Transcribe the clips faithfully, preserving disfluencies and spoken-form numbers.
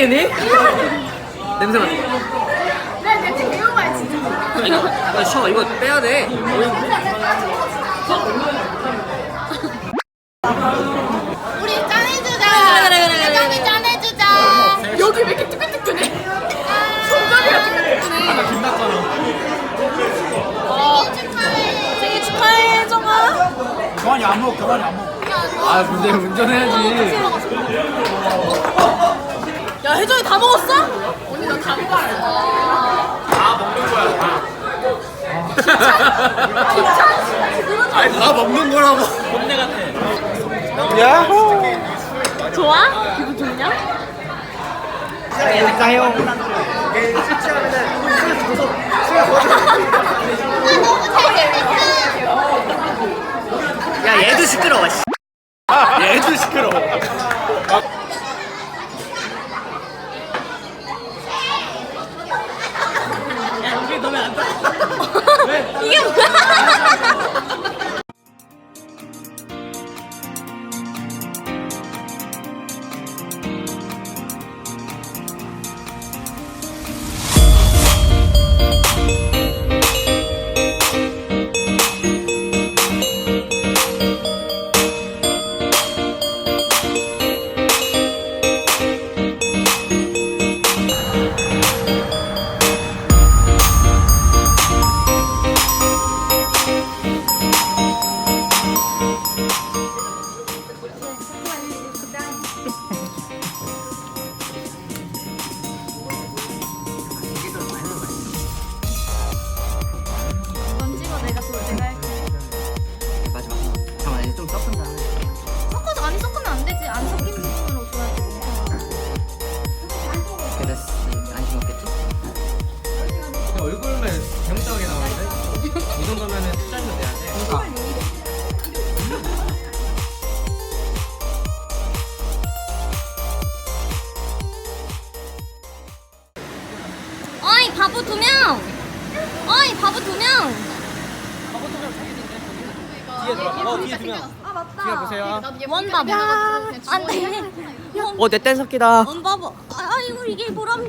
얘네? 냄새 맡아. 나 냄새 개요만 진짜. 이거 이거 쉬어. 이거 빼야 돼. 우리 짠해주자. 그래, 그래, 그래, 그래. 짠이 짠해주자. 여기 왜 이렇게 뜨끈뜨끈해? 손가락이 뜨끈뜨끈해. 빛났잖아. 생일 축하해. 생일 축하해, 혜정아. 그만이 안 먹어, 그만이 안 먹어. 아 근데 운전해야지. 야, 혜정이 다 먹었어? 언니 나 다 먹었어. 다 먹는 거야. 다. 아니 다 먹는 거라고. 꼰대 같아. 야호. 좋아? 기분 좋냐? 가요. 야 얘도 시끄러워. 씨. 얘도 시끄러워. 이게 뭐야? 넌 찍어 내가 또 내가 할게. 마지막. 잠깐만 이제 좀 섞은 다음에. 섞어서 많이 섞으면 안 되지. 안 섞인 부분으로 줘야지. 그랬어. 안심 없겠지? 얼굴만 경장하게 나오는데? 이 정도면은 투자료 내야 돼. 그러니까. 어이, 바보 두 명! 어이, 바보 두 명! 뒤에 들어. 어 뒤에 두 명. 아 맞다. 뒤에 보세요. 원 바보. 안 돼. 어 내 땐 섞이다. 원 바보. 아이고, 이게 보람.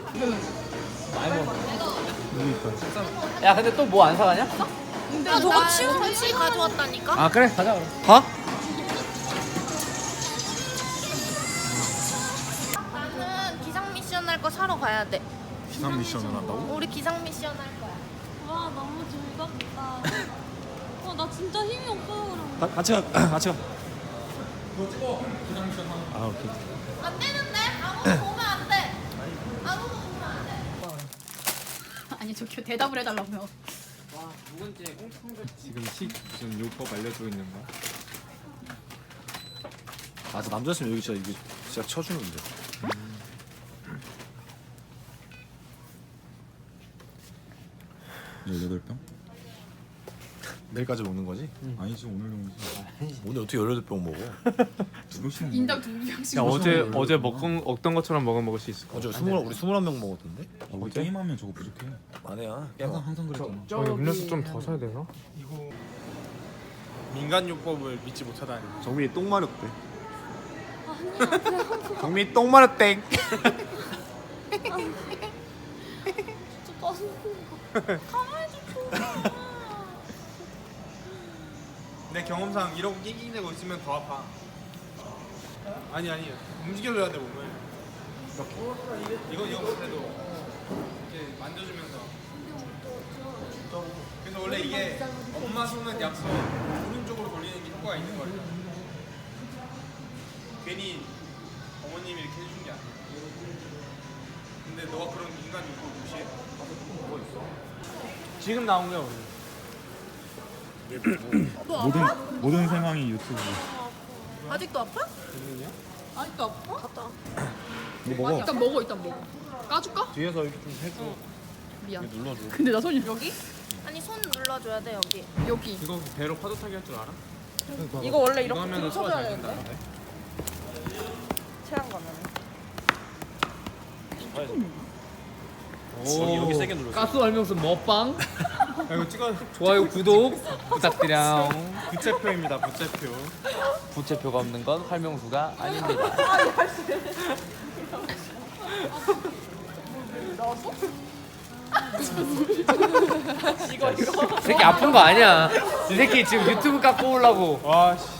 야 근데 또 뭐 안 사가냐? 야, 저거 치워. 전시 가져왔다니까. 아 그래 가자 그럼. 가? 나는 기상 미션 할 거 사러 가야 돼. 기상 미션을 한다고? 우리 기상 미션 할 거야. 와, 너무 즐겁다. 어, 나 진짜 힘이 없어, 그럼. 가, 같이 가, 같이 가. 너 찍어. 기상 미션 하는. 아 오케이. 안 되는데? 아무도 보면 안 돼. 아무도 보면 안 돼. 아니 저기 대답을 해달라고요. 와 누군지 꽁꽁 지금 식 무슨 요법 알려주고 있는 거야? 아, 저 남자였으면 여기 진짜 이거 진짜 쳐주는데. 열여덟 병? 내일까지 먹는 거지? 아니지 오늘 정도지. 오늘 어떻게 열여덟 병 먹어? 두 병씩 먹는 인당 두 명씩. 야 어제 먹어. 어제 먹은 먹던 것처럼 먹어 먹을 수 있을 것 어제 같아. 스물 우리 스물한 명 먹었던데? 아, 우리 게임하면 저거 부족해. 아니야. 항상 항상 그랬잖아. 저 음료수 좀 더 사야 되나? 민간요법을 믿지 못하다니. 정민이 똥 마렵대. 정민이 똥 마렵땡. 내 경험상 이러고 낑낑대고 있으면 더 아파. 아니 아니 움직여줘야 돼 몸을. 이거 이거 못해도 이렇게 만져주면서. 그래서 원래 이게 엄마 손은 약속 오른쪽으로 돌리는 게 효과가 있는 거예요. 괜히 어머님이 이렇게 해준 게 아니야. 근데 너가 그런 인간 요법 무시해? 지금 나온 거야 오늘. 모든 모든 상황이 유튜브. 아직도 아파? 아직도 아파? 갔다. 이거 먹어. 일단 먹어 일단 먹어. 까줄까? 뒤에서 이렇게 좀 해줘. 미안. 이렇게 눌러줘. 근데 나 손이 여기? 아니 손 눌러줘야 돼 여기. 여기. 이거 배로 파도 타기 할 줄 알아? 이거 원래 이거 이렇게 하면은 소화 쳐줘야 잘 되는데. 된다는데. 체한 거면. 여기 여기 세게 눌러줘. 가스 얼명수 먹방. 야, 이거 찍어. 좋아요 구독 부탁드려. 부채표입니다. 부채표. 부채표가 없는 건 활명수가 아닙니다. 이 새끼 아픈 거 아니야. 이 새끼 지금 유튜브 갖고 오려고. 와 씨.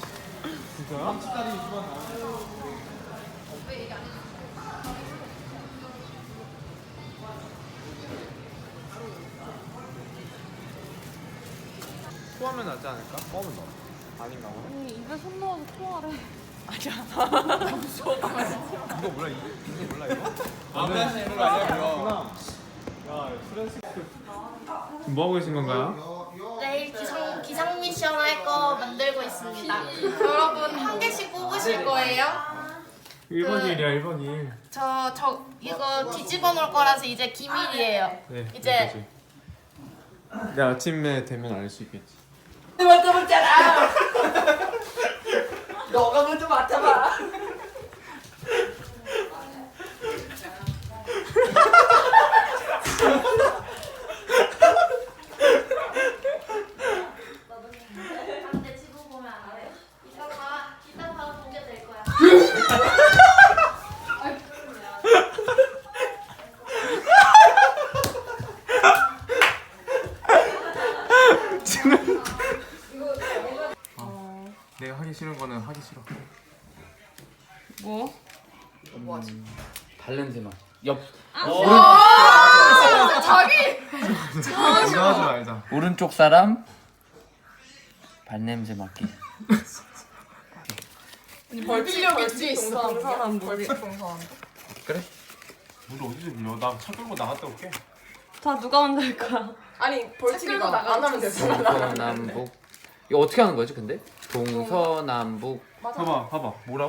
토하면 낫지 않을까? 껌은 넣어. 아닌가 보네. 아니 입에 손 넣어서 토하래. 이거 몰라 이거? 이거 몰라 이거? 아무나 이런 거 아니야 이거? 뭐 하고 계신 건가요? 내일 기상, 기상 미션 할 거 만들고 있습니다. 여러분 한 개씩 뽑으실 거예요? 일 번 일이야 일 번 일. 저, 저 이거 뒤집어 놓을 거라서 이제 기밀이에요. 네. 이제 내 아침에 되면 알 수 있겠지. 먼저 먹잖아. 너가 먼저 맡아봐. 근데 지금 보면 알아요? 이따가 이따가 보게 될 거야. 내가 하기 싫은 거는 하기 싫어. 뭐? 발냄새 맛. 옆 자기 이거 하지 말자. 오른쪽 사람 발냄새 맡기. 벌칙 벌칙 동서남 벌칙 그래? 물 어디서 빌려? 나 차 끌고 나갔다 올게. 자 누가 먼저 할 거야? 아니 벌칙이가 안 하면 되잖아. 동서남북. 이거 어떻게 하는 거지 근데? 동서남북. 봐봐 봐봐 뭐라고?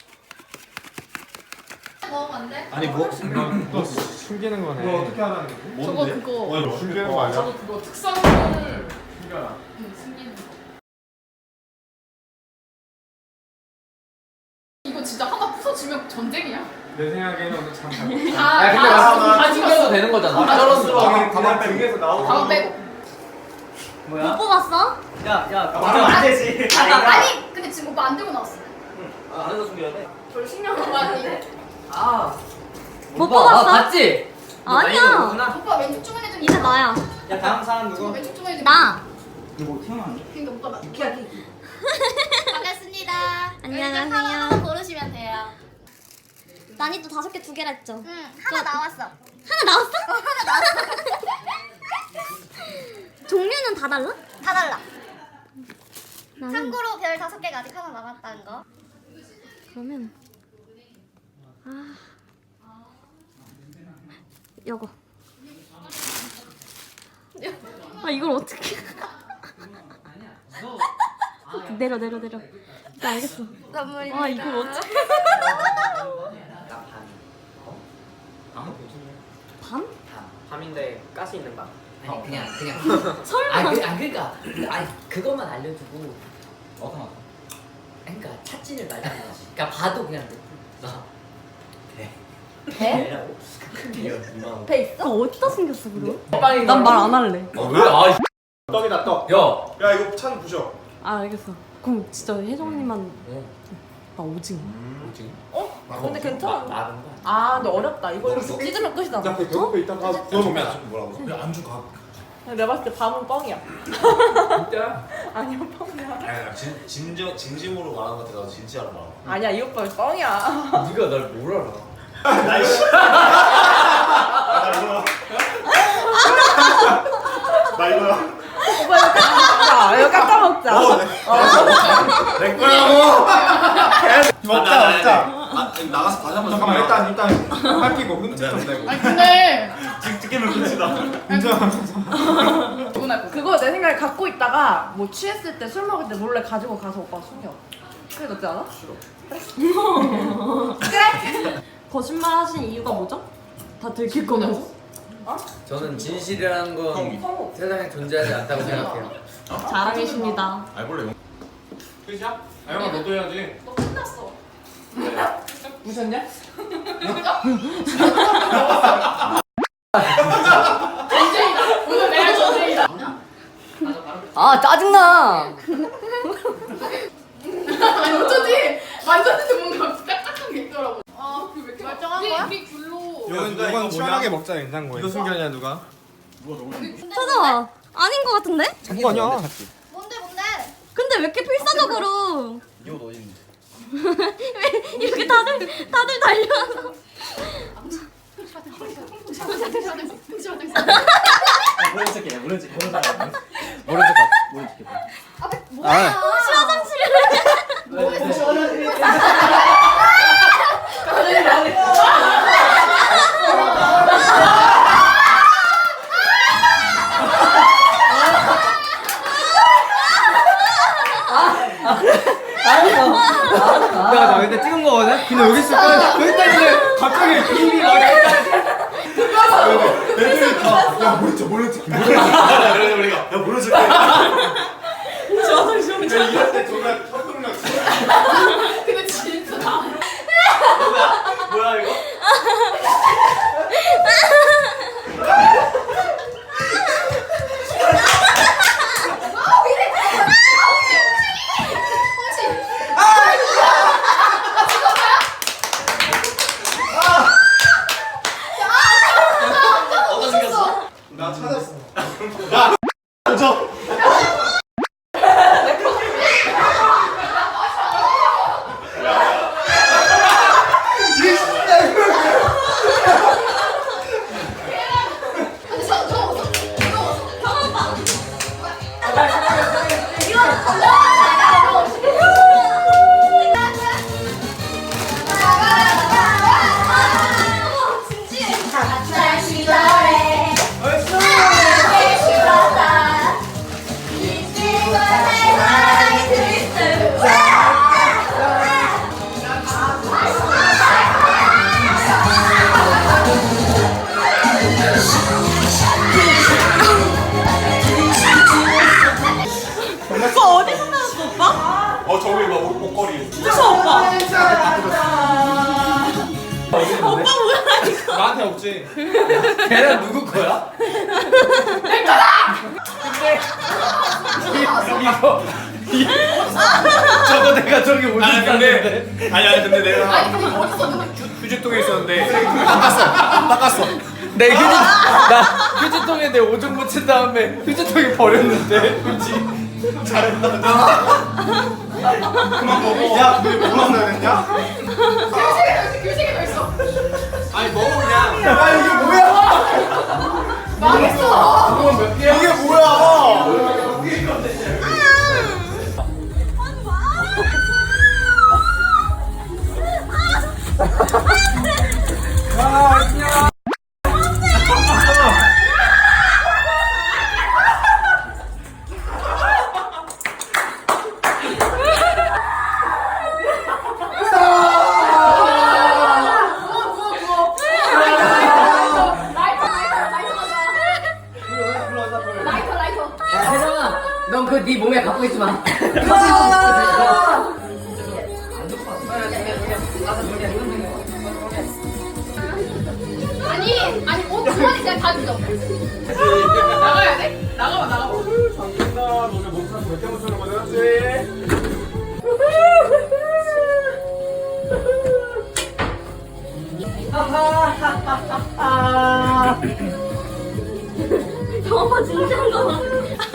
먹으면 안 돼? 아니 뭐? 너 숨기는 거네. 너 어떻게 하라는 거지? 저거 그거 어, 이거 숨기는 거 아니야? 그거 특성을 숨겨라. 숨기는 거. 이거 진짜 하나 부서지면 전쟁이야? 내 생각에는 오늘 참 잘. 아, 야 근데 아, 나 아, 숨겨도 되는 거잖아. 가만 가만 등에서 나오고. 가만 빼고. 못 뽑았어? 안 되지. 아니 근데 지금 오빠 안 들고 나왔어. 안에서 숨겨야 돼. 별 신경 안 많이. 못 뽑았어? 봤지? 아니야. 오빠 왼쪽 주머니 좀. 이제 나야. 야 다음 사람 누구? 왼쪽 주머니 좀. 나. 누구 태어났니? 그러니까 오빠 나. 반갑습니다. 안녕하세요. 여기서 하나 하나 고르시면 돼요. 난이도 다섯 개 두 개라 했죠? 응 하나 나왔어. 하나 나왔어? 하나 나왔어. 종류는 다 달라? 다 달라. 나는 참고로 별 다섯 개가 아직 하나 남았다는 거. 그러면 아 요거. 아 이걸 어떻게? 내려 내려 내려. 나 알겠어. 선물입니다. 아 이걸 어떻게? 밤? 밤인데 가스 있는 밤? 아니 그냥 그냥 설마. 아, 그, 아 그러니까 아니 그것만 알려주고 어떤 거? 그러니까 찾지를 말자는 거지. 그러니까 봐도 그냥 나 배? 배라고? 배 있어? 그거 어디다 숨겼어 그럼? 빵이 난 말 안 할래. 왜? 아 떡이다 떡. 야. 야 이거 찬 부셔. 아 알겠어. 그럼 진짜 혜정님만 어. 나 오징어. 뭐지? 근데 괜찮아. 나는 거. 아 근데 어렵다. 이거 찢으면 끝이다. 야 그 배고파 이따가 그러면 뭐라고? 야 안주 가. 내가 봤을 때 밤은 뻥이야. 진짜? 아니야 뻥이야. 아니 진 진정 진심으로 말하는 것 같아. 나 진지하로 말하고. 아니야 이 오빠 뻥이야. 네가 날 뭘 알아? 나이씨. 나 이거야. 오빠 이거 깎아 먹자. 이거 깎아 먹자. 내 거라고. 먹자 먹자. 아, 나가서 다시 한번 잠깐만 일단 일단 할기고 흔적 좀 내고. 아니 근데 찍기면 끝이다. 그거 내 생각에 갖고 있다가 뭐 취했을 때 술 먹을 때 몰래 가지고 가서 오빠 숨겨. 그게 낫지 않아? 싫어. 그래? 거짓말 하신 이유가 뭐죠? 다 들킬 거면서? 저는 진실이라는 건 세상에 존재하지 않다고 생각해요. 자랑이십니다. 알볼래? 끝이야? 아영아 너도 해야지. 너 끝났어. 무셨냐? 전쟁이다. 오늘 내가 전쟁이다. 아 짜증나. 아니 어쩌지? 만졌는데 뭔가 딱딱한 게 있더라고. 아그왜 이렇게 멀쩡한 거야? 우리 귤로 이건 이건 시원하게 먹자 냉장고에. 이거 숨겨냐 누가? 찾아와. 아닌 것 같은데? 그거 아니야. 뭔데 뭔데? 근데 왜 이렇게 필사적으로 이옷 어디 있는데? 왜 이렇게 다들 다들 달려와서 모른 척해 모른 척해 모른 척해 모른 척 모른 척. 뭐야? 혹시 화장실에 야나 근데 찍은 거거든? 근데 여기 있을 거야. 여기 있다는데 갑자기 비비 막 애들이 다. 야 모른 척 모른 척. 그래 우리가 야 모른 척. 이럴 때 정말 헛동력. 근데 진짜 나. 뭐야 이거? 어디 생겼어? 나 찾았어. 저. 어 저기 막 목- 목걸이. 나한테 없지. 걔는 누구 거야? 저거 내가 저기 어디 아니 있었는데? 근데 아니 아니 근데 내가 휴지통에 있었는데 닦았어 닦았어. 내 휴지 나 휴지통에 내 오줌 묻힌 다음에 휴지통에 버렸는데 휴지. 그만 먹어. 야 근데 뭐만 나랬냐? 교식에 교식에 있어. 아니 먹어 그냥. 야 이게 뭐야? 망했어. 이게 뭐야? 라이터 라이터. 야 혜정아 넌 그 네 몸에 갖고 있지 마 아니 아니 옷 주머니 그냥 다 주죠. 나가야 돼? 나가봐 나가봐. 너네 몸살 몇 개만 쓰는 거지? 저거 진짜인 거 봐.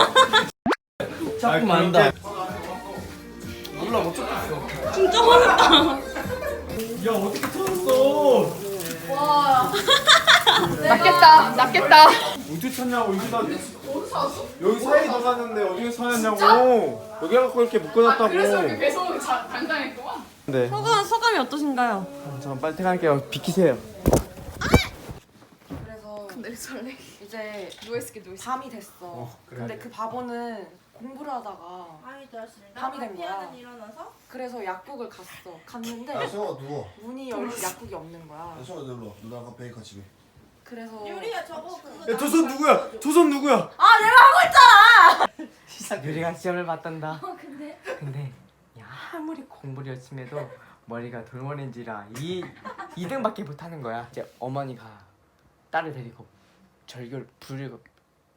자꾸 만다. 몰라 못 찾겠어. 진짜 화났다. 야 어떻게 찾았어? 와. 낫겠다 낫겠다. 어디 찾냐고 여기다. 어디서 왔어? 여기 사이 넣어놨는데 어디서 찾았냐고. 여기 갖고 이렇게 묶어놨다고. 계속 당당했구만. 네. 소감 소감이 어떠신가요? 잠깐 빨리 퇴근할게요. 비키세요. 그래서 근데 설레. 이제 누워있을게 누워있을게. 밤이 됐어. 근데 그 바보는 공부를 하다가 밤이 된 거야. 그래서 약국을 갔어. 갔는데 야 성아 누워. 문이 열린 약국이 없는 거야. 야 성아 놀러. 누나가 베이커 집에. 그래서 야, 저 손 누구야? 저 손 누구야? 아 내가 하고 있잖아. 유리가 시험을 봤단다. 어 근데. 근데 야, 아무리 공부를 열심히 해도 머리가 돌머리인지라 이 이 등밖에 못하는 거야. 이제 어머니가 딸을 데리고 절교를 부르고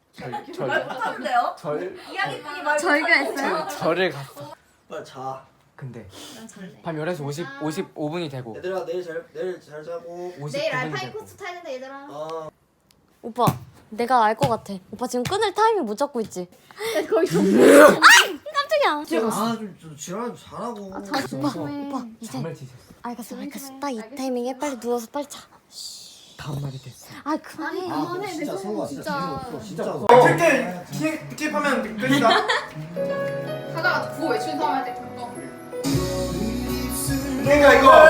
절절 못하는데요? 절 이야기꾼이 말 저희가 했어요? 절을 갔어. 빨리 자. 근데 난 잘래. 밤 열한 시 오십, 오십오 분이 되고 얘들아 내일 잘 내일 잘 자고. 내일 오십구 분이 알파인 되고 코스 타야 된다 얘들아. 어. 오빠 내가 알 것 같아. 오빠 지금 끊을 타이밍 못 잡고 있지? 거의 좀. 깜짝이야. 아좀 좀 지랄 좀 잘하고. 아, 자 조심해. 오빠 이제 잠을 지셨어. 알겠어 알겠어. 딱 이 타이밍에 빨리 누워서 빨리 자. 다음 날이 됐어. 아 아니 그만해. 그만해. 진짜 내 성우가 손 진짜 진짜. 진짜. 어, 킬게 킬 킬하면 끝이다. 하다가 구호 외치는 사람 할때 그거. 내가 이거